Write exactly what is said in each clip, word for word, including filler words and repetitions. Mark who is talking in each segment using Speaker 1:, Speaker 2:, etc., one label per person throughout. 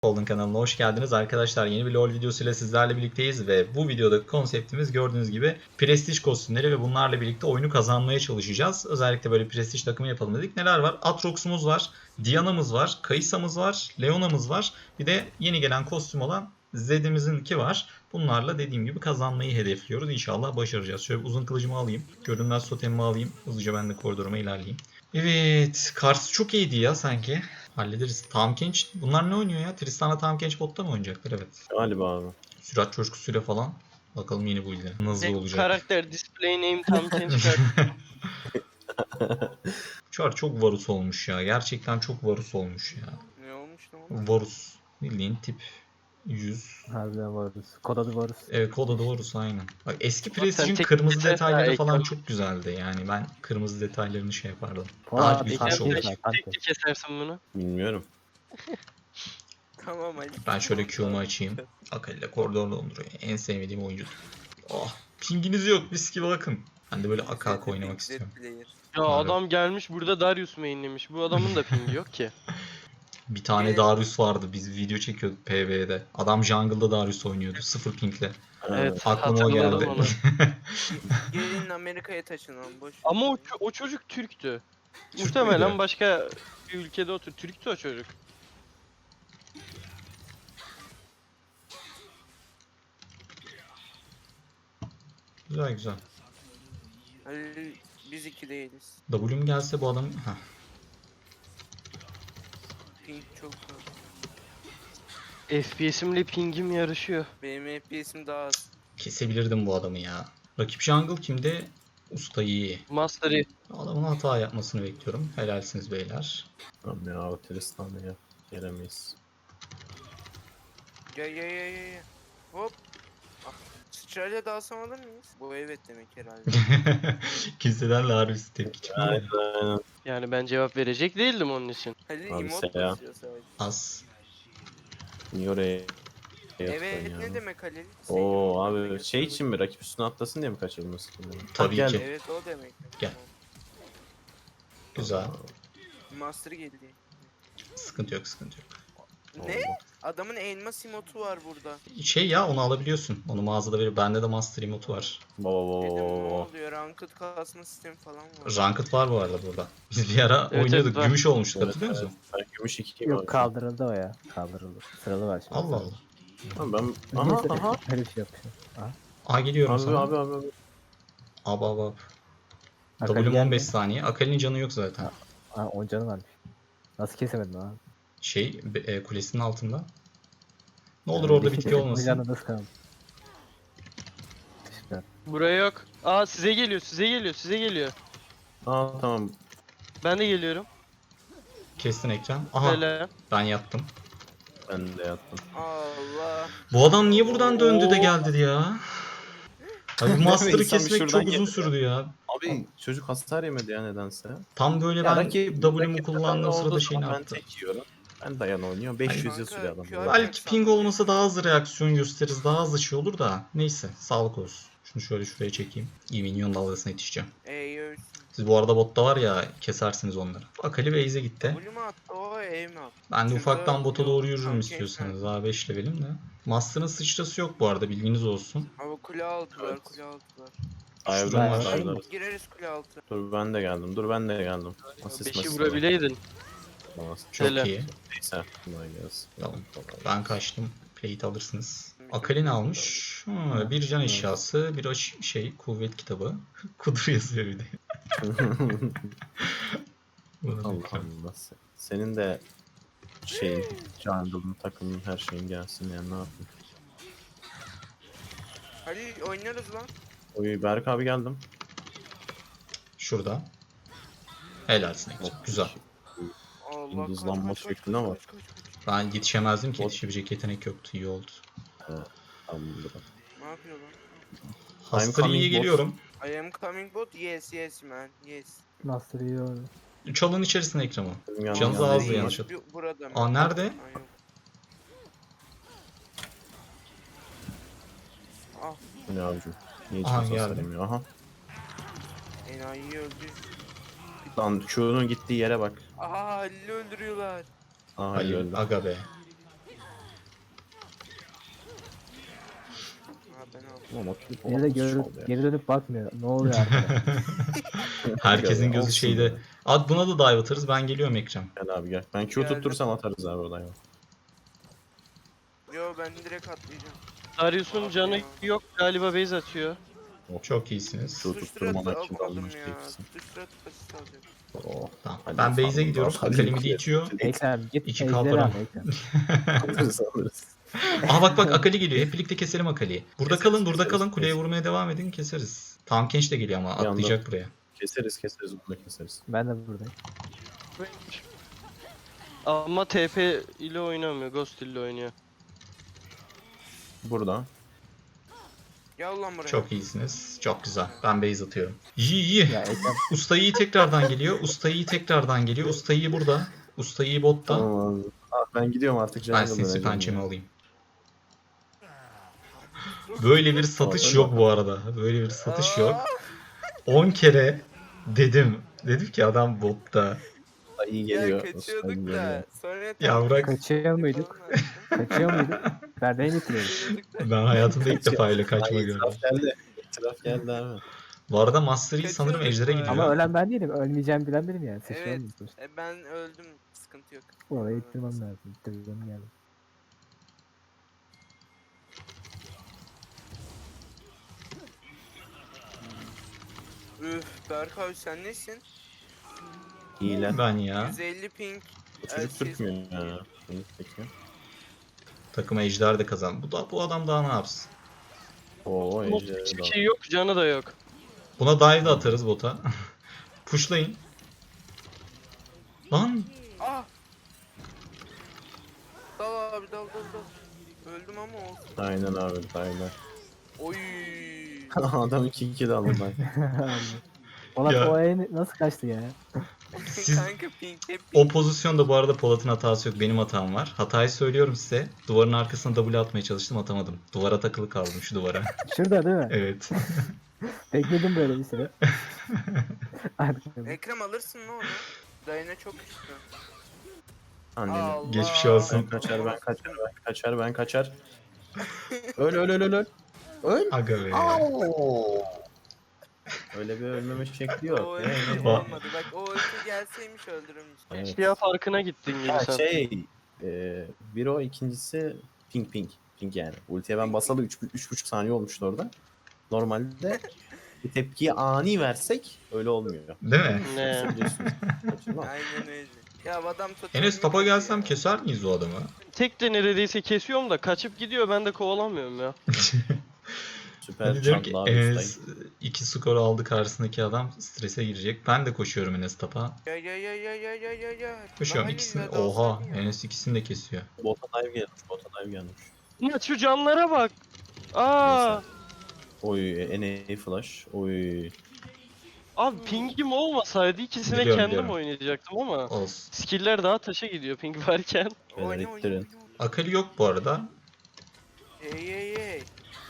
Speaker 1: Golden kanalına hoş geldiniz arkadaşlar. Yeni bir LoL videosuyla sizlerle birlikteyiz ve bu videodaki konseptimiz gördüğünüz gibi prestij kostümleri ve bunlarla birlikte oyunu kazanmaya çalışacağız. Özellikle böyle prestij takımı yapalım dedik. Neler var? Aatrox'umuz var, Diana'mız var, Kaysa'mız var, Leona'mız var. Bir de yeni gelen kostüm olan Zed'imizinki var. Bunlarla dediğim gibi kazanmayı hedefliyoruz. İnşallah başaracağız. Şöyle uzun kılıcımı alayım. Görünmez totemimi alayım. Hızlıca ben de koridoruma ilerleyeyim. Evet. Kars çok iyiydi ya sanki. Hallederiz. Tahm Kench. Bunlar ne oynuyor ya? Tristan'la Tahm Kench botta mı oynayacaklar? Evet.
Speaker 2: Galiba abi.
Speaker 1: Sürat coşkusuyla falan. Bakalım yeni bu ile. Nasıl
Speaker 3: Tek
Speaker 1: olacak?
Speaker 3: karakter display name tam Kench karakter.
Speaker 1: Çar çok Varus olmuş ya. Gerçekten çok Varus olmuş ya.
Speaker 4: Ne olmuş lan?
Speaker 1: Varus. Bildiğin tip yüz.
Speaker 5: Harbiden varız. Kod adı varız.
Speaker 1: Evet, kod adı Varus aynen. Bak, eski
Speaker 3: Bak sen
Speaker 1: Prestige'in
Speaker 3: tek-
Speaker 1: kırmızı
Speaker 3: tek-
Speaker 1: detayları
Speaker 3: ha,
Speaker 1: falan
Speaker 3: ekran-
Speaker 1: çok güzeldi. Yani ben kırmızı detaylarını şey yapardım.
Speaker 5: Polat
Speaker 1: Daha
Speaker 5: bir
Speaker 1: büyük
Speaker 5: tane
Speaker 1: bir şey olur.
Speaker 5: şey var,
Speaker 3: Tek
Speaker 5: kanka.
Speaker 3: tek kesersin bunu.
Speaker 2: Bilmiyorum.
Speaker 4: Tamam Ali.
Speaker 1: Ben şöyle Q'mu açayım. Akali ile koridor donduruyor. En sevmediğim oyuncu. Oh, pinginiz yok. Mis gibi bakın. Ben de böyle akak oynamak istiyorum.
Speaker 3: Ya
Speaker 1: Abi.
Speaker 3: adam gelmiş burada Darius mainlemiş. Bu adamın da pingi yok ki.
Speaker 1: Bir tane
Speaker 4: Evet.
Speaker 1: Darius vardı. Biz video çekiyorduk P V'de. Adam jungle'da Darius oynuyordu. Sıfır pingle.
Speaker 3: Evet,
Speaker 1: Aklıma o geldi.
Speaker 3: hatırladım onu.
Speaker 4: Gelin Amerika'ya taşınalım boş.
Speaker 3: Ama o, ço- o çocuk Türktü.
Speaker 1: Türk
Speaker 3: Muhtemelen
Speaker 1: müydü?
Speaker 3: başka bir ülkede otur. Türktü o çocuk.
Speaker 1: Güzel güzel.
Speaker 4: Ali biz iki değiliz.
Speaker 1: W'm gelse bu adam... Heh.
Speaker 4: Pink çok fazla.
Speaker 3: F P S'imle pingim yarışıyor.
Speaker 4: Benim F P S'im daha az.
Speaker 1: Kesebilirdim bu adamı ya. Rakip jungle kimde? Usta iyi.
Speaker 3: Master Yi.
Speaker 1: Adamın hata yapmasını bekliyorum. Helalsiniz beyler.
Speaker 2: Tamam ya o Tristan'da ya. Gelemeyiz.
Speaker 4: Gel gel gel gel. gel. Hop. Ah, Sıçrayla dalsam alır mıyız? Bu evet demek herhalde.
Speaker 1: Kimseden Darius tepki çıkmıyor.
Speaker 2: Aynen aynen.
Speaker 3: Yani ben cevap verecek değildim onun için.
Speaker 4: Ali
Speaker 2: Abi
Speaker 4: emot
Speaker 2: sen ya.
Speaker 4: basıyor sadece.
Speaker 1: Az.
Speaker 2: Niye oraya
Speaker 4: Evet
Speaker 2: yaptın ya?
Speaker 4: ne demek Ali?
Speaker 2: Oo
Speaker 4: Sevgili
Speaker 2: abi
Speaker 4: demek.
Speaker 2: şey için mi rakip üstüne atlasın diye mi kaçırılması?
Speaker 1: Tabii
Speaker 2: Gel.
Speaker 1: ki.
Speaker 4: Evet o demek.
Speaker 1: Gel. Güzel.
Speaker 4: Master geldi.
Speaker 1: Sıkıntı yok, sıkıntı yok.
Speaker 4: Ne? Adamın elmas emotu var burada.
Speaker 1: Şey ya, onu alabiliyorsun. Onu mağazada verir. Bende de Master emotu var.
Speaker 2: Baba
Speaker 4: Dedim ne
Speaker 2: baba.
Speaker 4: oluyor? Ranked kasma sistemi falan var.
Speaker 1: Ranked var bu arada burada. Biz bir ara
Speaker 3: Evet,
Speaker 1: oynuyorduk.
Speaker 3: evet, var.
Speaker 1: Gümüş olmuştuk,
Speaker 2: Evet,
Speaker 1: hatırlıyor musun?
Speaker 2: Ben gümüş iki
Speaker 5: Yok kaldırıldı o ya. Kaldırıldı. Sıralı var şimdi.
Speaker 1: Allah Allah.
Speaker 2: Tamam ben aha
Speaker 5: Neyse,
Speaker 2: aha.
Speaker 5: Öyle bir şey yapmışım.
Speaker 1: Aa, geliyorum
Speaker 2: Abi
Speaker 1: sana.
Speaker 2: abi abi abi.
Speaker 1: Ab ab ab.
Speaker 5: Akali
Speaker 1: W'm
Speaker 5: geldi.
Speaker 1: on beş saniye. Akali'nin canı yok zaten.
Speaker 5: Ha. Aa on canı varmış. Nasıl kesemedin abi?
Speaker 1: Şey, be- e, kulesinin altında. Ne olur
Speaker 5: Yani
Speaker 1: orada
Speaker 5: bir
Speaker 1: bitki
Speaker 5: şey
Speaker 1: olmasın.
Speaker 5: canı da sıkalım. Süper.
Speaker 3: Buraya yok. Aa size geliyor, size geliyor, size geliyor.
Speaker 2: Aa tamam.
Speaker 3: Ben de geliyorum.
Speaker 1: Kestin ekran. Aha,
Speaker 3: Böyle.
Speaker 1: ben yattım.
Speaker 2: Ben de yattım.
Speaker 4: Allah.
Speaker 1: Bu adam niye buradan döndü de geldi ya? Abi Master'ı
Speaker 2: İnsan bir
Speaker 1: kesmek
Speaker 2: şuradan
Speaker 1: çok uzun
Speaker 2: geldi.
Speaker 1: sürdü ya.
Speaker 2: Abi çocuk hasar yemedi ya nedense.
Speaker 1: Tam böyle
Speaker 2: Ya
Speaker 1: ben
Speaker 2: rakip-
Speaker 1: W'mu
Speaker 2: rakip
Speaker 1: kullandığım
Speaker 2: takımda
Speaker 1: sırada
Speaker 2: olduğu
Speaker 1: şeyini
Speaker 2: zaman
Speaker 1: attı.
Speaker 2: Ben tek yiyorum. Ben dayan oynuyor. beş yüz yıl
Speaker 4: Kanka,
Speaker 2: sürüyor adam.
Speaker 4: Q R
Speaker 1: Belki ping olmasa daha hızlı reaksiyon gösteririz. Daha hızlı şey olur da. Neyse, sağlık olsun. Şunu şöyle şuraya çekeyim. İyi, minyon dalgasına yetişeceğim.
Speaker 4: Ey ölsün.
Speaker 1: Siz bu arada botta var ya, kesersiniz onları. Akali base'e gitti.
Speaker 4: W mu attı o E mi attı?
Speaker 1: Ben de
Speaker 4: Şurada
Speaker 1: ufaktan bota
Speaker 4: yok,
Speaker 1: doğru yürürüm
Speaker 4: tam
Speaker 1: istiyorsanız. Daha beş levelim de. Master'ın sıçrası yok bu arada, bilginiz olsun.
Speaker 4: Ama kule altı var
Speaker 2: Evet.
Speaker 4: kule altı var.
Speaker 2: Aynen
Speaker 1: Şuradan
Speaker 5: var.
Speaker 2: aynen.
Speaker 4: Gireriz kule altı.
Speaker 2: Dur ben de geldim. Dur ben de geldim. Asist
Speaker 3: Beşi
Speaker 2: masist
Speaker 3: vurabileydin.
Speaker 2: falan.
Speaker 1: Çok
Speaker 3: Helal.
Speaker 1: iyi.
Speaker 2: Neyse. Kolay gelsin.
Speaker 1: Tamam. Ben kaçtım. Plate alırsınız. Akali ne almış? Ha, bir can eşyası, bir aş- şey, kuvvet kitabı. Kudur yazıyor bir de. Bunu
Speaker 2: Allah
Speaker 1: bekliyorum.
Speaker 2: Allah. Senin de şeyin, jungle'ın, takımın, her şeyin gelsin yani ne yapayım.
Speaker 4: Hadi oynarız lan.
Speaker 2: Oy Berk abi geldim.
Speaker 1: Şurada. Helalsin Ekran. Güzel.
Speaker 4: Allah
Speaker 2: Yıldızlanma
Speaker 4: kaç, kaç, kaç,
Speaker 2: şekline
Speaker 4: kaç,
Speaker 2: bak.
Speaker 4: kaç, kaç, kaç.
Speaker 1: Ben yetişemezdim ki,
Speaker 2: Bot-
Speaker 1: yetişebilecek yetenek yoktu. İyi oldu.
Speaker 2: Tamamdır.
Speaker 4: Ne yapıyor lan?
Speaker 1: Hasta
Speaker 2: coming
Speaker 1: iyiye
Speaker 2: bot.
Speaker 1: geliyorum.
Speaker 4: I am coming bot. Yes yes man. Yes.
Speaker 5: Master iyi oldu.
Speaker 1: Çalın içerisine Ekrem'ı.
Speaker 2: Benim
Speaker 1: Canınız
Speaker 2: yanımda-
Speaker 1: ağzı
Speaker 4: Değil,
Speaker 1: yanlış
Speaker 4: bu- Burada mı?
Speaker 1: Aa, nerede?
Speaker 4: Ha, yok. Ah
Speaker 2: Bu ne abicim? Niye
Speaker 1: Aha,
Speaker 2: hiç
Speaker 1: geldi.
Speaker 2: hasar yemiyor? Aha.
Speaker 4: enayi öldü.
Speaker 2: Lan Q'nun gittiği yere bak.
Speaker 4: Aha Halil'i öldürüyorlar.
Speaker 2: Aha
Speaker 1: Halil,
Speaker 2: öldü.
Speaker 1: aga be.
Speaker 4: Ben aldım.
Speaker 2: Ama klip
Speaker 5: Beni de
Speaker 2: olmuş
Speaker 5: görüp
Speaker 2: oldu ya.
Speaker 5: geri dönüp bakmıyor. Ne oluyor arkada?
Speaker 1: Herkesin
Speaker 2: Olsun
Speaker 1: gözü şeyde.
Speaker 2: ya.
Speaker 1: Ad buna da dive atarız. Ben geliyorum Ekrem.
Speaker 2: Gel abi gel. Ben Q
Speaker 4: Geldim.
Speaker 2: tutturursam atarız abi oradan.
Speaker 4: Yo ben direkt atlayacağım.
Speaker 3: Darius'un canı yok galiba, base atıyor.
Speaker 1: Çok iyisiniz.
Speaker 2: Q tutturmamak için
Speaker 4: Tutuşturat almadım
Speaker 2: almış
Speaker 4: ya.
Speaker 2: değilsin.
Speaker 4: Tutuşturat asist alacak.
Speaker 2: Oh.
Speaker 1: Tamam.
Speaker 2: Hadi
Speaker 1: Ben base'e
Speaker 2: farmı
Speaker 1: gidiyorum.
Speaker 2: daha- hadi
Speaker 1: Akali midi
Speaker 2: yukarı.
Speaker 1: itiyor.
Speaker 5: Ekrem git
Speaker 1: İki
Speaker 5: ejderi
Speaker 1: kalparam.
Speaker 5: al Ekrem.
Speaker 2: Alırız alırız.
Speaker 1: Aha bak bak Akali geliyor. Hep birlikte keselim Akali'yi. Burada
Speaker 2: Keseriz,
Speaker 1: kalın, burada
Speaker 2: keseriz,
Speaker 1: kalın. Kuleye
Speaker 2: keseriz.
Speaker 1: vurmaya devam edin. Keseriz. Tamam Kenç de geliyor ama
Speaker 2: Bir anda-
Speaker 1: atlayacak buraya.
Speaker 2: Keseriz keseriz bunu da keseriz.
Speaker 5: Ben de buradayım.
Speaker 3: Ama T P ile oynamıyor, Ghost ile oynuyor.
Speaker 2: Burada.
Speaker 4: Gel lan buraya.
Speaker 1: Çok iyisiniz. Çok güzel. Ben base atıyorum. İyi iyi.
Speaker 5: Ya Ekrem
Speaker 1: Usta iyi tekrardan geliyor. Usta iyi tekrardan geliyor. Usta iyi burada. Usta iyi botta.
Speaker 2: Tamam abi. Abi ben gidiyorum artık.
Speaker 1: Ben
Speaker 2: Jungle'dan
Speaker 1: sinsi
Speaker 2: önce
Speaker 1: pençemi
Speaker 2: ya.
Speaker 1: alayım. Böyle bir satış yok bu arada. Böyle bir satış yok. on kere dedim. Dedim ki adam botta.
Speaker 2: Ay, iyi
Speaker 4: Ya
Speaker 2: geliyor.
Speaker 4: kaçıyorduk
Speaker 2: Osman
Speaker 4: da.
Speaker 2: geliyor.
Speaker 4: Sonra
Speaker 1: Ya bırak.
Speaker 5: kaçıyor muyduk? Kaçıyor muyduk? Perdeyi bitiriyorduk.
Speaker 1: Ben hayatımda ilk defa öyle kaçma
Speaker 2: Ay,
Speaker 1: gördüm.
Speaker 2: itiraf geldi. İtiraf geldi abi.
Speaker 1: Bu arada Master Yi sanırım
Speaker 4: Kaçıyorduk
Speaker 1: Ejder'e
Speaker 4: bu
Speaker 1: gidiyor.
Speaker 5: Ama ölen ben değilim. Ölmeyeceğim bilen benim yani. Sıçramam
Speaker 4: Evet.
Speaker 5: mı?
Speaker 4: E, ben öldüm. Sıkıntı yok.
Speaker 5: Orayı ittirmem lazım. İttirmem geldi.
Speaker 4: Üf Berk abi sen nesin?
Speaker 2: Hile.
Speaker 1: Ben ya.
Speaker 4: yüz elli ping.
Speaker 2: Bu çocuk
Speaker 4: Elsiz.
Speaker 2: tutmuyor ya. Bunu peki.
Speaker 1: Takım Ejder de kazan. Bu da bu adam daha ne yapsın?
Speaker 2: Oo
Speaker 3: Ama
Speaker 2: Ejder'e
Speaker 3: hiçbir
Speaker 2: bak.
Speaker 3: şey yok, canı da yok.
Speaker 1: Buna dive de atarız bota. Pushlayın. Lan
Speaker 4: Ah! Dal abi dal dal dal. Öldüm ama olsun.
Speaker 2: Aynen abi aynen.
Speaker 4: Oy.
Speaker 2: Adam iki kill aldı ben.
Speaker 5: Polat
Speaker 1: Ya.
Speaker 5: o el nasıl kaçtı ya?
Speaker 1: siz
Speaker 4: Kanka ping hep
Speaker 1: o pozisyonda bu arada Polat'ın hatası yok. Benim hatam var. Hatayı söylüyorum size. Duvarın arkasına W atmaya çalıştım atamadım. Duvara takılı kaldım şu duvara.
Speaker 5: Şurada değil mi?
Speaker 1: Evet.
Speaker 5: Bekledim böyle bir süre. Arkada.
Speaker 4: Ekrem alırsın ne onu? Dayına çok güçlü.
Speaker 2: Anneni.
Speaker 4: Allah.
Speaker 1: Geçmiş olsun.
Speaker 2: Ben kaçar ben kaçar ben kaçar ben kaçar. Öl öl öl öl öl. Öl.
Speaker 1: Aga be.
Speaker 2: Au! Öyle bir ölmeme şekli
Speaker 4: O
Speaker 2: yok.
Speaker 4: ulti
Speaker 2: Ee,
Speaker 4: olmadı. Bak o ulti gelseymiş öldürürmüş.
Speaker 2: Evet.
Speaker 3: Ya farkına gittin gibi
Speaker 2: Ha,
Speaker 3: sen.
Speaker 2: şey e, bir o ikincisi ping ping ping yani. Ultiye ben basalı üç buçuk saniye olmuştu orada. Normalde bir tepkiyi ani versek öyle olmuyor.
Speaker 1: Değil mi?
Speaker 3: Ne?
Speaker 2: Biliyorsunuz. Kaçırma.
Speaker 4: Aynen öyle. Ya adam totemini
Speaker 1: Enes tapa
Speaker 4: kırdı
Speaker 1: gelsem
Speaker 4: ya.
Speaker 1: keser miyiz o adamı?
Speaker 3: Tek de neredeyse kesiyorum da kaçıp gidiyor, ben de kovalamıyorum ya.
Speaker 2: Süper
Speaker 1: Hadi diyorum ki
Speaker 2: çantlı abi
Speaker 1: Enes
Speaker 2: ustayım.
Speaker 1: iki skor aldı karşısındaki adam strese girecek. Ben de koşuyorum Enes tapa.
Speaker 4: Ya ya ya ya ya ya ya ya.
Speaker 1: Koşuyorum
Speaker 4: Daha
Speaker 1: ikisini.
Speaker 4: iyi ya, daha
Speaker 1: Oha
Speaker 4: sakin ya.
Speaker 1: Enes ikisini de kesiyor.
Speaker 2: Bota dive gelmiş, bota dive gelmiş.
Speaker 3: Ya şu canlara bak. Aa,
Speaker 2: Oy, N A flash. Oy.
Speaker 3: abi pingim olmasaydı ikisine
Speaker 1: Biliyorum,
Speaker 3: kendim
Speaker 1: biliyorum.
Speaker 3: oynayacaktım ama
Speaker 1: Olsun.
Speaker 3: skill'ler daha taşa gidiyor ping varken.
Speaker 2: Beyler
Speaker 4: Oyna oyna
Speaker 2: ittirin.
Speaker 4: oyna.
Speaker 1: Akali yok bu arada.
Speaker 4: Hey hey hey.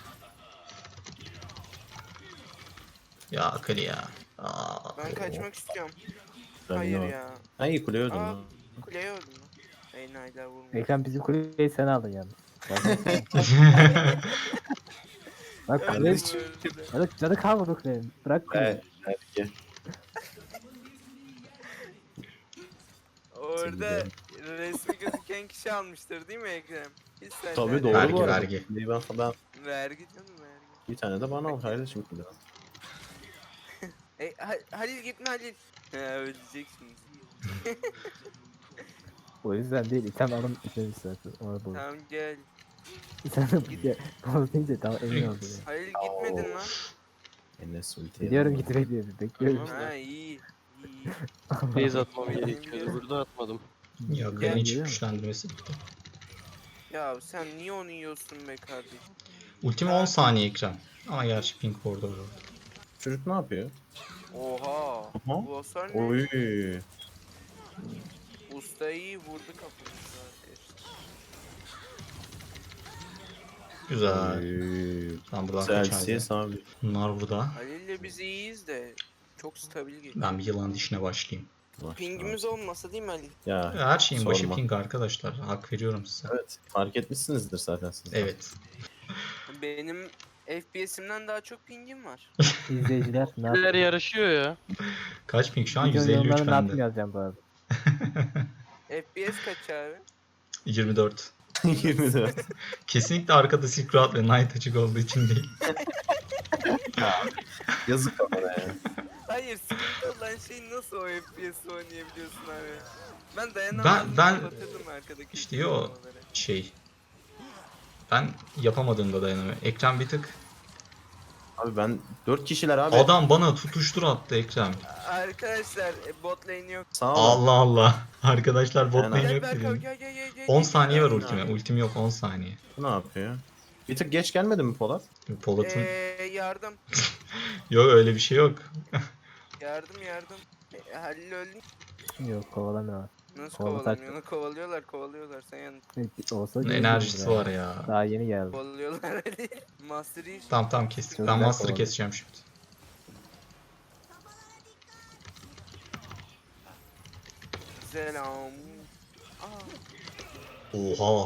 Speaker 1: Ya Akali ya. Aa,
Speaker 4: Ben kaçmak istiyorum.
Speaker 2: Ben
Speaker 4: Hayır
Speaker 2: de-
Speaker 4: ya.
Speaker 2: Ha iyi kuleye öldüm
Speaker 4: Aa.
Speaker 2: lan.
Speaker 4: Kuleye öldüm lan. Ey naylar vurmuş.
Speaker 5: Ekrem bizim kuleyi sen aldın yalnız. Bak
Speaker 4: Öldüm
Speaker 5: kule...
Speaker 4: öldüm.
Speaker 5: Canı, canı kalmadı kulenin. Bırak kuleyi.
Speaker 2: Evet. Belki.
Speaker 4: Orada resmi gözüken kişi almıştır değil mi Ekrem? Hiç sen
Speaker 2: Tabii doğru
Speaker 1: Vergi,
Speaker 2: bu arada.
Speaker 1: vergi.
Speaker 2: Kuleyi Ben, ben
Speaker 4: Vergi canım vergi.
Speaker 2: bir tane de bana al kardeşim kule.
Speaker 4: E, Ha- Halil gitme Halil. He ölecek şimdi.
Speaker 5: O yüzden değil. İtem alın item zaten. Ona bu.
Speaker 4: Tamam gel.
Speaker 5: İtem de boz deyince tamam emin oldum. Yani.
Speaker 4: Halil gitmedin lan.
Speaker 2: Enes ultiye.
Speaker 5: Gidiyorum git bekliyorum. Bekliyorum.
Speaker 4: Ha iyi. İyi.
Speaker 3: Base atmam gerekiyordu, burada atmadım.
Speaker 1: Ya
Speaker 5: Gel,
Speaker 1: Akali'nin hiç
Speaker 5: geliyor mu?
Speaker 1: güçlendirmesi bitti.
Speaker 4: Ya sen niye onu yiyorsun be kardeşim?
Speaker 1: Ultimi on saniye ekran. Ama gerçi ping orada orada.
Speaker 2: Çocuk ne yapıyor?
Speaker 4: Oha.
Speaker 2: Aha.
Speaker 4: Bu hasar ne?
Speaker 2: Oy.
Speaker 4: Usta iyi vurdu kafamızı arkadaşlar.
Speaker 1: Güzel.
Speaker 2: Oy.
Speaker 1: Ben buradan kaçardım.
Speaker 2: Celsius abi.
Speaker 1: Bunlar burada.
Speaker 4: Halil'le biz iyiyiz de çok stabil geliyor.
Speaker 1: Ben bir yılan dişine başlayayım.
Speaker 2: Bak,
Speaker 4: Pingimiz olmasa değil mi Halil?
Speaker 2: Ya
Speaker 1: Her şeyin başı
Speaker 2: sorma.
Speaker 1: ping arkadaşlar. Hak veriyorum size.
Speaker 2: evet fark etmişsinizdir zaten siz. de.
Speaker 1: Evet.
Speaker 4: Benim F P S'imden daha çok pingim var.
Speaker 5: İzleyiciler ne
Speaker 3: Neler
Speaker 5: yapıyor?
Speaker 3: yarışıyor ya.
Speaker 1: Kaç ping şu an?
Speaker 5: Video
Speaker 1: yüz elli üç
Speaker 5: yorumlarına ne yapayım
Speaker 1: bende.
Speaker 5: yazacağım bu arada.
Speaker 4: F P S kaç abi?
Speaker 1: yirmi dört.
Speaker 2: yirmi dört.
Speaker 1: Kesinlikle arkada Silk Road ve Knight açık olduğu için değil.
Speaker 2: Yazık kafana ya.
Speaker 4: Hayır, sıkıntı olan şey nasıl o F P S oynayabiliyorsun abi? Ben dayanamam.
Speaker 1: Ben- ben-
Speaker 4: kapatırdım arkadaki
Speaker 1: İşte yo
Speaker 4: uygulamaları.
Speaker 1: şey. Ben yapamadığımda dayanamıyorum. Ekran bir tık.
Speaker 2: Abi ben dört kişiler abi.
Speaker 1: Adam bana tutuştur attı Ekrem.
Speaker 4: Arkadaşlar e, bot lane yok.
Speaker 2: Sağ ol.
Speaker 1: Allah Allah. Arkadaşlar bot
Speaker 2: Aynen.
Speaker 1: lane
Speaker 4: Gel
Speaker 1: yok
Speaker 4: Berk abi,
Speaker 1: dedim.
Speaker 4: gel gel gel gel.
Speaker 1: on
Speaker 4: gel,
Speaker 1: saniye
Speaker 4: gel.
Speaker 1: var ultime. Ultim yok on saniye.
Speaker 2: Bu ne yapıyor? Bir tık geç gelmedi mi Polat?
Speaker 1: Polat'ın
Speaker 4: Eee yardım.
Speaker 1: yok öyle bir şey yok.
Speaker 4: Yardım yardım. E, Halil öldü.
Speaker 5: Yok kovalamıyor.
Speaker 4: Nasıl
Speaker 5: Kovala
Speaker 4: kovalamıyor? Onu kovalıyorlar kovalıyorlar. Sen yan
Speaker 5: Olsa
Speaker 1: Bunun
Speaker 5: gelirdim
Speaker 1: enerjisi
Speaker 5: buraya.
Speaker 1: var ya.
Speaker 5: Daha yeni geldi.
Speaker 4: kovalıyorlar Halil. Master Yi.
Speaker 1: Tamam tamam kestik.
Speaker 5: Çok
Speaker 1: Ben
Speaker 5: güzel
Speaker 1: Master'ı
Speaker 5: kovaladı.
Speaker 1: keseceğim şimdi.
Speaker 4: Selam. Aa,
Speaker 1: Oha.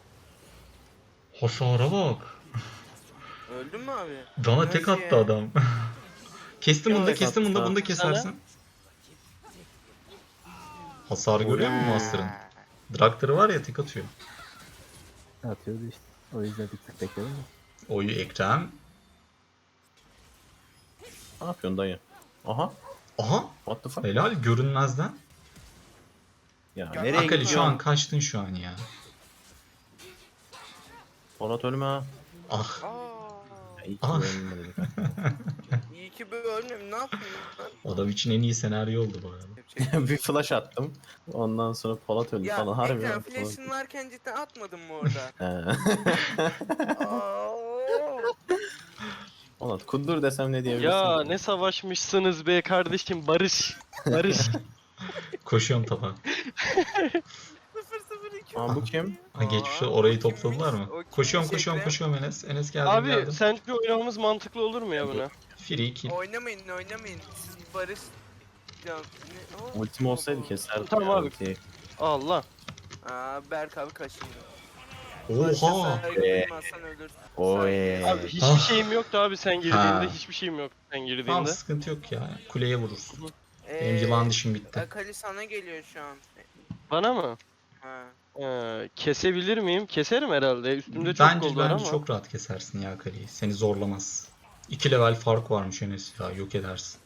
Speaker 1: Hasara bak.
Speaker 4: öldün mü abi?
Speaker 1: Bana tek
Speaker 4: Nasıl
Speaker 1: attı
Speaker 4: ya?
Speaker 1: adam. Kestim bunu da
Speaker 2: Yok,
Speaker 1: kestim bunu da
Speaker 2: attı.
Speaker 1: bunu da kesersin. Hasarı görüyor musun Master'ın? Draktar'ı var ya tek atıyor.
Speaker 5: Atıyordu işte. O yüzden bir tık bekledim de.
Speaker 1: Oyu Ekrem.
Speaker 2: Ne yapıyorsun dayı? Aha.
Speaker 1: Aha.
Speaker 2: What the fuck?
Speaker 1: Helal görünmezden.
Speaker 2: Ya
Speaker 4: Ya,
Speaker 2: nereye
Speaker 1: Akali şu
Speaker 2: gidiyorsun?
Speaker 1: an kaçtın şu an ya.
Speaker 2: Polat ölme ha.
Speaker 1: Ah.
Speaker 4: Aa,
Speaker 2: Ya, İyi ki
Speaker 1: Ah.
Speaker 2: ölmedim.
Speaker 4: iyi ki böyle ölmüyorum. Ne yapayım ben?
Speaker 1: Adam için en iyi senaryo oldu bu arada.
Speaker 4: Yapacak-
Speaker 2: Bir flash attım. Ondan sonra Polat öldü
Speaker 4: Ya
Speaker 2: falan. Harbi
Speaker 4: ekran
Speaker 2: ya.
Speaker 4: flash'ın varken cidden atmadın mı orada?
Speaker 2: He.
Speaker 4: Aa,
Speaker 2: Polat kundur desem ne diyebilirsin?
Speaker 3: Ya
Speaker 2: ki?
Speaker 3: ne savaşmışsınız be kardeşim, barış. Barış.
Speaker 1: Koşuyorum tapa.
Speaker 4: sıfır sıfır iki.
Speaker 2: Aa, bu kim?
Speaker 1: Ha, geçmişte
Speaker 4: Aa,
Speaker 1: orayı
Speaker 4: o kimmiş?
Speaker 1: topladılar mı?
Speaker 4: O kimmiş
Speaker 1: Koşuyorum koşuyorum
Speaker 4: Ekrem?
Speaker 1: koşuyorum Enes. Enes geldim
Speaker 3: Abi
Speaker 1: geldim.
Speaker 3: sence oynamamız mantıklı olur mu ya buna?
Speaker 1: Free kill.
Speaker 4: Oynamayın oynamayın. Siz barış... Ya, ne? Aa,
Speaker 2: Ultim olsaydı keserdim.
Speaker 3: Tamam
Speaker 2: ya
Speaker 3: abi.
Speaker 2: ultiyi.
Speaker 3: Allah.
Speaker 4: Aa, Berk abi kaçıyor.
Speaker 1: Oha.
Speaker 4: Saygı duymazsan ölürsün.
Speaker 2: Oy.
Speaker 3: Abi hiçbir
Speaker 1: Ah.
Speaker 3: şeyim yoktu abi sen girdiğinde.
Speaker 1: Ha.
Speaker 3: Hiçbir şeyim yoktu sen
Speaker 1: Tamam
Speaker 3: girdiğinde.
Speaker 1: sıkıntı yok ya. Kuleye vurursun.
Speaker 4: Ee,
Speaker 1: Benim yılan dişim bitti.
Speaker 4: Akali sana geliyor şu an.
Speaker 3: Bana mı?
Speaker 4: Ha.
Speaker 3: Ee, kesebilir miyim? Keserim herhalde. Üstümde çok
Speaker 1: Bence
Speaker 3: gol var
Speaker 1: bence
Speaker 3: ama.
Speaker 1: çok rahat kesersin ya Kale'yi. Seni zorlamaz. İki level fark varmış Enes ya. Yok edersin.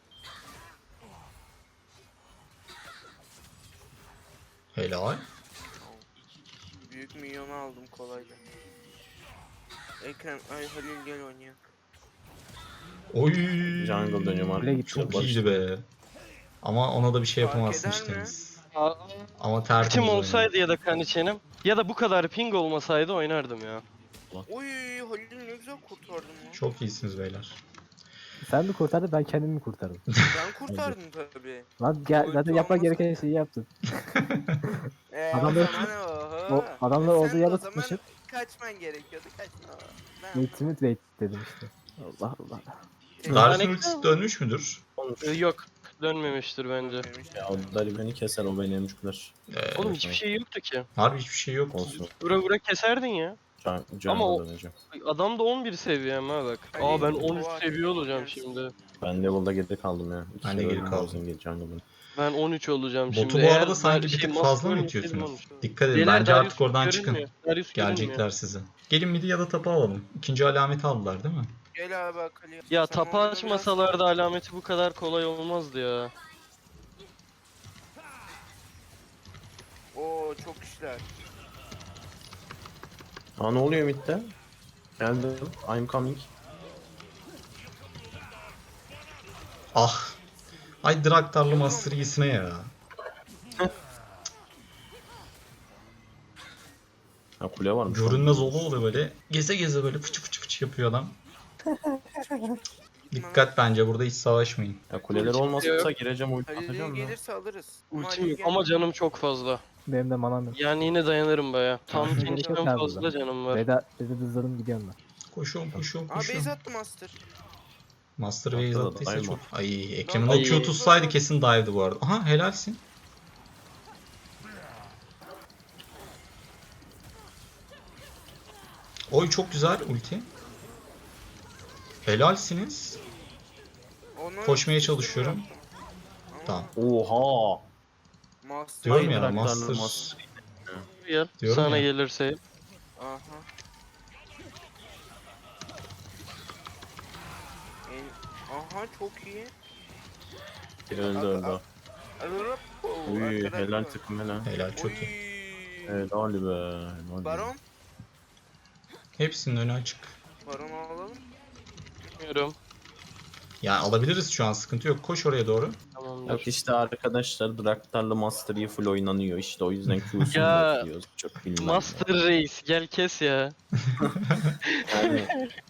Speaker 1: Helal.
Speaker 4: Büyük milyonu aldım kolayca. Ekrem, ay Halil gel oynayalım.
Speaker 1: Oy.
Speaker 2: Jungle dönüyorum
Speaker 5: Kule
Speaker 2: abi.
Speaker 5: gitti.
Speaker 1: Çok
Speaker 2: Barış.
Speaker 1: iyiydi be. Ama ona da bir şey
Speaker 4: Fark
Speaker 1: yapamazsın
Speaker 4: eder
Speaker 1: işte
Speaker 4: mi?
Speaker 1: Enes.
Speaker 3: Aa,
Speaker 1: Ama tertemiz
Speaker 3: Tim
Speaker 1: oynadı.
Speaker 3: olsaydı ya da Kaniçenim ya da bu kadar ping olmasaydı oynardım ya.
Speaker 4: Oy Halil ne güzel kurtardın lan.
Speaker 1: Çok iyisiniz beyler.
Speaker 5: Sen mi kurtardın ben kendimi mi kurtardım?
Speaker 4: Ben kurtardım tabii.
Speaker 5: Lan gel,
Speaker 4: Ulti
Speaker 5: zaten yapman
Speaker 4: olmasa-
Speaker 5: gereken şeyi yaptın.
Speaker 4: Ee,
Speaker 5: Adamlar-
Speaker 4: o zaman oho.
Speaker 5: O adamlar
Speaker 4: Sen
Speaker 5: olduğu
Speaker 4: de
Speaker 5: yerde
Speaker 4: o zaman
Speaker 5: tutmuşum.
Speaker 4: kaçman gerekiyordu kaçma. Ben
Speaker 5: Ultimate wait dedim işte. Allah Allah.
Speaker 1: Darius'un
Speaker 3: Yani-
Speaker 1: ultisi dönmüş müdür?
Speaker 2: Olmuş.
Speaker 3: Ee, yok. Dönmemiştir bence.
Speaker 2: Ya o Dali beni keser o beni emcükler.
Speaker 1: Ee,
Speaker 3: Oğlum hiçbir şey yoktu ki.
Speaker 1: harbi hiçbir şey yok.
Speaker 2: Olsun.
Speaker 3: Vura vura keserdin ya.
Speaker 2: Can,
Speaker 3: Ama o-
Speaker 2: Jungle döneceğim.
Speaker 3: Adam da on bir seviyem ha bak.
Speaker 4: Ay,
Speaker 3: Aa ben
Speaker 4: bu
Speaker 3: on üç
Speaker 4: var.
Speaker 3: seviye olacağım
Speaker 4: Gerçi.
Speaker 3: şimdi.
Speaker 2: Ben level'da geride kaldım ya. İki
Speaker 1: Ben de
Speaker 2: kere
Speaker 1: geri
Speaker 2: öldüm
Speaker 1: kaldım.
Speaker 2: Bowser'ın geri jungle'ın.
Speaker 3: Ben on üç olacağım şimdi.
Speaker 1: Botu bu
Speaker 3: Eğer
Speaker 1: arada
Speaker 3: ben
Speaker 1: sanki bir
Speaker 3: şey,
Speaker 1: tık
Speaker 3: Master
Speaker 1: fazla mı
Speaker 3: ölmeseydim
Speaker 1: itiyorsunuz?
Speaker 3: olmuş.
Speaker 1: Dikkat edin.
Speaker 3: Beyler,
Speaker 1: Bence
Speaker 3: Darius
Speaker 1: artık oradan
Speaker 3: görünmüyor.
Speaker 1: çıkın.
Speaker 3: Darius görünmüyor.
Speaker 1: Gelecekler size. Gelin midi ya da tapa alalım. İkinci alameti aldılar değil mi?
Speaker 4: Gel abi Akali.
Speaker 3: Ya
Speaker 4: Sen
Speaker 3: tapa
Speaker 4: oyunu
Speaker 3: açmasalardı alameti bu kadar kolay olmazdı ya.
Speaker 4: biraz- Oo çok işler.
Speaker 2: Aa ne oluyor midde? Geldim. I'm coming.
Speaker 1: Ah. Ay Draktar'lı Master iyisine ya.
Speaker 2: Ha kule varmış.
Speaker 1: Görünmez ola oluyor böyle. Geze geze böyle fıçı fıçı fıçı yapıyor adam. Dikkat bence burada hiç savaşmayın.
Speaker 2: Ya kuleler
Speaker 3: Ultim
Speaker 2: olmasa
Speaker 3: yok.
Speaker 2: gireceğim ulti
Speaker 4: Halil
Speaker 2: atacağım ya.
Speaker 4: gelirse alırız. Ama
Speaker 3: Ultim
Speaker 4: Halil
Speaker 3: yok
Speaker 4: gel-
Speaker 3: ama canım çok fazla.
Speaker 5: Benim de manam yok.
Speaker 3: Yani yine dayanırım baya. Tam
Speaker 5: Gerek yok
Speaker 3: ikinciden
Speaker 5: abi
Speaker 3: fazla
Speaker 5: burada.
Speaker 3: canım var.
Speaker 5: Veda, veda hızladım gidiyorum ben.
Speaker 1: Koşuyorum koşuyorum
Speaker 4: Aa base
Speaker 1: koşuyorum.
Speaker 4: attı Master.
Speaker 1: Master
Speaker 2: Atladı
Speaker 1: Base
Speaker 2: da
Speaker 1: attıysa
Speaker 2: dive
Speaker 1: çok...
Speaker 2: mi?
Speaker 1: Ay Ekrem'in
Speaker 3: Ay.
Speaker 1: o Q tutsaydı kesin dive'dı bu arada. Aha helalsin. Oy çok güzel ulti. Helalsiniz.
Speaker 4: Onu
Speaker 1: Koşmaya çalışıyorum.
Speaker 4: yaptım. Ama
Speaker 1: Tamam.
Speaker 2: Oha.
Speaker 4: Master
Speaker 1: Diyorum ya
Speaker 2: Hayır,
Speaker 1: Master.
Speaker 2: Draktar'la Master.
Speaker 3: Gel.
Speaker 1: Diyorum
Speaker 3: Sana
Speaker 1: ya.
Speaker 3: gelirse.
Speaker 4: Aha. En... Aha çok iyi.
Speaker 2: Öldü öldü. o.
Speaker 4: Ararap.
Speaker 2: Uy helal takım helal.
Speaker 1: Helal çok iyi.
Speaker 4: iyi.
Speaker 2: Helal be. Helal be.
Speaker 4: Baron.
Speaker 1: Hepsinin önü açık.
Speaker 4: Baron alalım.
Speaker 3: Bilmiyorum.
Speaker 1: Yani alabiliriz şu an, sıkıntı yok. Koş oraya doğru.
Speaker 3: Tamamdır.
Speaker 2: Yok işte arkadaşlar Draktar'la Master Yi full oynanıyor işte o yüzden Q'sunu
Speaker 3: Ya,
Speaker 2: bekliyoruz. Çok bilmem.
Speaker 3: Master Reis gel kes ya.
Speaker 2: Yani...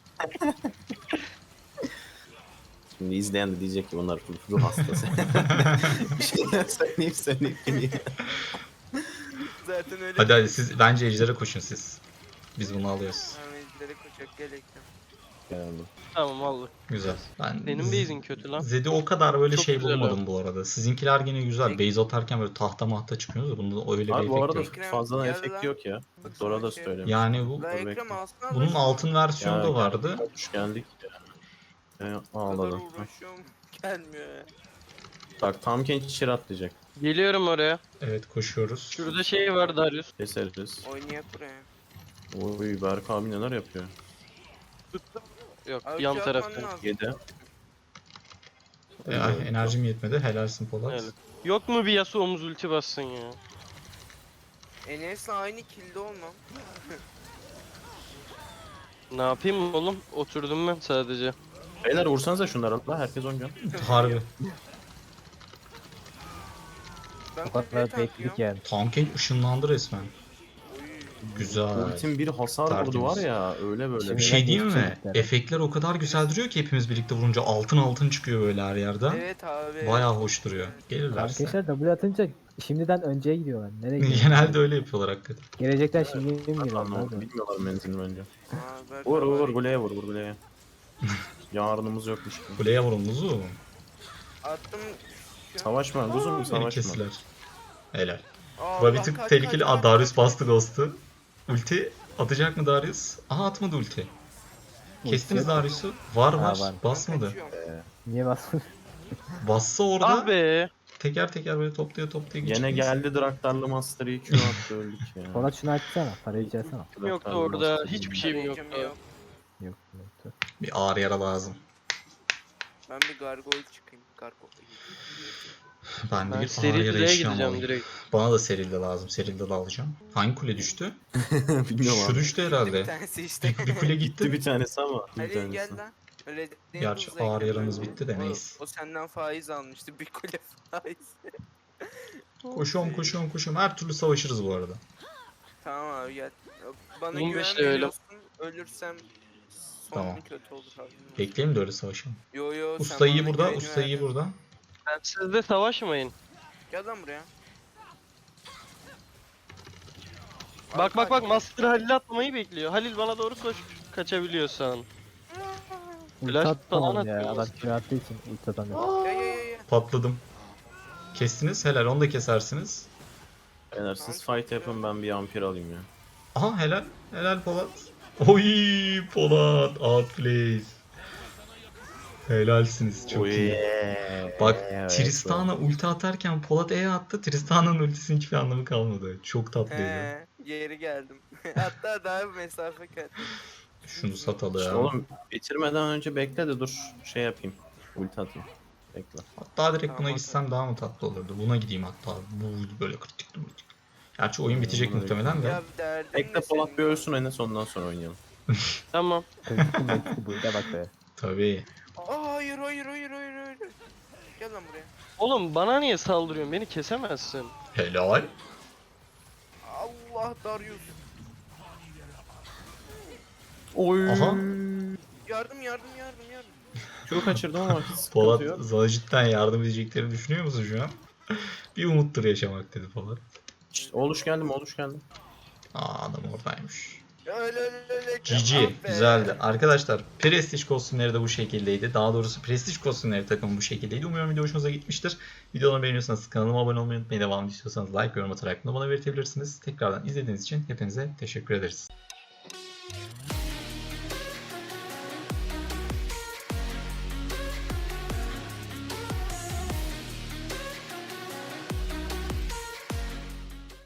Speaker 2: Şimdi izleyen de diyecek ki bunlar ruh, ruh hastası. Bir şeyler söyleyip söyleyip geliyor.
Speaker 4: Zaten öyle.
Speaker 1: Hadi hadi siz bence ejdere koşun siz. Biz bunu alıyoruz.
Speaker 4: Ahmetlere koşacak gelekten.
Speaker 2: Yani.
Speaker 3: Tamam aldık.
Speaker 1: Güzel. Ben
Speaker 3: Senin
Speaker 1: Z-
Speaker 3: base'in kötü lan.
Speaker 1: Zed'i o kadar böyle
Speaker 3: Çok
Speaker 1: şey
Speaker 3: güzel
Speaker 1: bulmadım bu arada. Sizinkiler gene güzel.
Speaker 4: Peki.
Speaker 1: Base atarken böyle tahta mahta çıkıyorsunuz da bunda öyle bir
Speaker 2: Abi bu
Speaker 1: efekt
Speaker 2: arada
Speaker 1: yok.
Speaker 4: Ekrem,
Speaker 2: fazladan
Speaker 4: gel
Speaker 2: efekt
Speaker 4: lan.
Speaker 2: yok ya. Dora da söylemiş.
Speaker 1: Yani bu
Speaker 4: La
Speaker 2: Dur
Speaker 4: Ekrem
Speaker 2: bekle.
Speaker 4: alsana da
Speaker 1: bunun
Speaker 4: şunu.
Speaker 1: altın versiyonu da vardı.
Speaker 2: Hoş geldik. Ya,
Speaker 4: O kadar
Speaker 2: ağladım.
Speaker 4: uğraşıyorum. Gelmiyor ya.
Speaker 2: Bak tam genç çir atlayacak.
Speaker 3: Geliyorum oraya.
Speaker 1: Evet koşuyoruz.
Speaker 3: Şurada şey var Darius.
Speaker 2: Keseriz.
Speaker 4: Oynayak buraya.
Speaker 2: Oy Berk abi neler yapıyor.
Speaker 3: Tuttum. Yok
Speaker 4: Abi
Speaker 3: yan
Speaker 4: şey
Speaker 3: tarafta.
Speaker 4: yapman lazım.
Speaker 2: Yedi.
Speaker 1: E, ay, enerjim yetmedi. Helalsin Polat.
Speaker 3: Evet. Yok mu bir Yasuo omuz ulti bassın ya?
Speaker 4: Enes'le aynı kilde olmam.
Speaker 3: Ne yapayım oğlum? Oturdum ben sadece.
Speaker 2: Beyler vursanıza şunları la herkes on can.
Speaker 1: Harbi.
Speaker 4: Ben
Speaker 5: O
Speaker 4: kutuya
Speaker 5: kadar
Speaker 4: takıyorum.
Speaker 5: bekledik yani.
Speaker 1: Tank'e ışınlandı resmen.
Speaker 4: Oy.
Speaker 1: Güzel.
Speaker 2: Ultim bir hasar
Speaker 1: Tertemiz.
Speaker 2: vurdu var ya öyle böyle.
Speaker 5: Şimdi-
Speaker 1: Bir şey diyeyim mi?
Speaker 5: Geçecekler.
Speaker 1: Efektler o kadar güzel duruyor ki hepimiz birlikte vurunca altın altın çıkıyor böyle her yerden.
Speaker 4: Evet abi.
Speaker 1: Bayağı hoş duruyor. Gelirlerse.
Speaker 5: Arkadaşlar W atınca şimdiden önceye gidiyorlar. Nereye gidiyorlar?
Speaker 1: Genelde öyle yapıyorlar hakikaten.
Speaker 5: Gelecekten şimdi mi giriyorlar?
Speaker 2: Anlamadım, bilmiyorlar menzilini bence.
Speaker 4: Aa, Berk
Speaker 2: Vur
Speaker 4: abi.
Speaker 2: vur kuleye vur vur kuleye. Yarınımız yokmuş. gibi.
Speaker 1: Kuleye vurun Luzu.
Speaker 4: Attım. Şu-
Speaker 2: Savaşma kuzum
Speaker 1: Beni
Speaker 2: savaşma.
Speaker 1: kestiler. Helal.
Speaker 4: Aa,
Speaker 1: Bura bir
Speaker 4: kaç,
Speaker 1: tık
Speaker 4: kaç,
Speaker 1: tehlikeli.
Speaker 4: kaç,
Speaker 1: Aa,
Speaker 4: kaç,
Speaker 1: Darius
Speaker 4: kaç.
Speaker 1: bastı Ghost'u. Ulti atacak mı Darius? Aha atmadı ulti. Kestiniz
Speaker 5: Ulti yok.
Speaker 1: Darius'u. Var
Speaker 5: Ha,
Speaker 1: var.
Speaker 5: var.
Speaker 4: Ben
Speaker 1: Basmadı.
Speaker 4: kaçıyorum.
Speaker 5: Niye basmıyor?
Speaker 1: Bassa orada
Speaker 3: Ah be.
Speaker 1: teker teker böyle toplaya toplaya
Speaker 2: Gene
Speaker 1: geçeceğiz.
Speaker 2: geldi Draktarlı Master Yi Q attı öldük ya.
Speaker 5: Polat şunu açsana. Parayı içersene.
Speaker 3: Yoktu
Speaker 2: Draktarlı
Speaker 3: orada.
Speaker 2: Master Yi.
Speaker 3: Hiçbir şeyim
Speaker 4: Arayacağım,
Speaker 3: yoktu.
Speaker 4: yok.
Speaker 5: Yok yoktu.
Speaker 1: Bir ağır yara lazım.
Speaker 4: Ben bir gargoyle çıkayım. Gargoyle.
Speaker 1: Ben de
Speaker 3: Ben
Speaker 1: bir ağır
Speaker 3: seri
Speaker 1: yara
Speaker 3: dileye
Speaker 1: eşyam
Speaker 3: gideceğim
Speaker 1: alayım.
Speaker 3: direkt.
Speaker 1: Bana da serilde lazım. Serilde de alacağım. Hangi kule düştü?
Speaker 2: Bilmiyorum
Speaker 1: Şu
Speaker 2: abi.
Speaker 1: düştü
Speaker 4: Bir
Speaker 1: herhalde.
Speaker 4: tanesi işte.
Speaker 1: Bir, bir kule
Speaker 2: Gitti
Speaker 1: gitti.
Speaker 2: bir tanesi ama. Bir
Speaker 4: Hadi
Speaker 2: tanesi.
Speaker 4: gel lan. Öyle
Speaker 1: Gerçi
Speaker 4: hızla
Speaker 1: ağır
Speaker 4: Ekrem
Speaker 1: yaramız
Speaker 4: önce.
Speaker 1: bitti de
Speaker 4: O-
Speaker 1: neyse.
Speaker 4: O senden faiz almıştı. Bir kule faiz.
Speaker 1: Koşuyorum koşuyorum koşuyorum. Her türlü savaşırız bu arada.
Speaker 4: Tamam abi gel. Bana
Speaker 3: on
Speaker 4: güven
Speaker 3: beş levelim.
Speaker 4: veriyorsun. Ölürsem sonu
Speaker 1: Tamam.
Speaker 4: kötü olur abi.
Speaker 1: Bekleyelim de öyle savaşalım.
Speaker 4: Yo yo sen
Speaker 1: Usta iyi
Speaker 4: bana
Speaker 1: burada.
Speaker 4: güveni
Speaker 1: Usta iyi
Speaker 4: verdin.
Speaker 1: burada.
Speaker 3: Sen siz de savaşmayın.
Speaker 4: Gel lan buraya.
Speaker 3: Bak bak bak
Speaker 4: Arka-
Speaker 3: Master Halil atmayı bekliyor. Halil bana doğru koş kaçabiliyorsan.
Speaker 5: Ulti
Speaker 3: Flash
Speaker 5: attı
Speaker 3: falan
Speaker 5: oğlum ya.
Speaker 3: atıyor.
Speaker 5: Adam kilo attığı için ulti atamıyor.
Speaker 4: Ya ya ya ya.
Speaker 1: Patladım. Kestiniz. Helal. Onu da kesersiniz.
Speaker 2: Beyler siz fight yapın ben bir ampir alayım ya.
Speaker 1: Aha helal. Helal Polat. Oy Polat. Outplays. Helalsiniz. Çok
Speaker 2: Oy,
Speaker 1: iyi.
Speaker 2: yeah.
Speaker 1: Bak
Speaker 2: Evet,
Speaker 1: Tristan'a ulti atarken Polat E attı. Tristan'ın ultisinin hiçbir anlamı kalmadı. Çok tatlıydı.
Speaker 4: He, geri geldim. Hatta daha bir mesafe kat.
Speaker 1: Şunu
Speaker 2: İşte
Speaker 1: satalım.
Speaker 2: oğlum bitirmeden önce bekle de dur şey yapayım. Ulti atayım. Bekle.
Speaker 1: Hatta direkt buna
Speaker 4: Tamam,
Speaker 1: gitsem daha mı tatlı olurdu? Buna gideyim hatta. Bu böyle kritik kritik. Gerçi oyun bitecek
Speaker 2: Buna
Speaker 1: muhtemelen de.
Speaker 4: Ya bir derdin
Speaker 2: Bekle
Speaker 4: ne
Speaker 2: Polat
Speaker 4: senin
Speaker 2: bir
Speaker 4: ya?
Speaker 2: ölsün Enes ondan sonra oynayalım.
Speaker 3: Tamam.
Speaker 5: Kritik kritik burada bak be.
Speaker 1: Tabii.
Speaker 4: Aa hayır hayır hayır hayır hayır. Gel lan buraya.
Speaker 3: Oğlum bana niye saldırıyorsun? Beni kesemezsin.
Speaker 1: Helal.
Speaker 4: Allah Darius.
Speaker 2: Oy.
Speaker 1: Aha.
Speaker 4: Yardım yardım yardım yardım.
Speaker 2: Q kaçırdım ama hiç sıkıntı
Speaker 1: Polat
Speaker 2: yok.
Speaker 1: sana cidden yardım edeceklerini düşünüyor musun şu an? Bir umuttur yaşamak dedi Polat.
Speaker 2: Şşt, Oğluş geldim oğluş geldim.
Speaker 1: Aa adam oradaymış.
Speaker 4: Öyle öyle öyle.
Speaker 1: G G. Güzeldi. Arkadaşlar Prestige kostümleri de bu şekildeydi. Daha doğrusu Prestige kostümleri takımı bu şekildeydi. Umuyorum video hoşunuza gitmiştir. Videoları beğeniyorsanız kanalıma abone olmayı unutmayın. Devamlı istiyorsanız like, yorum atarak da bana belirtebilirsiniz. Tekrardan izlediğiniz için hepinize teşekkür ederiz.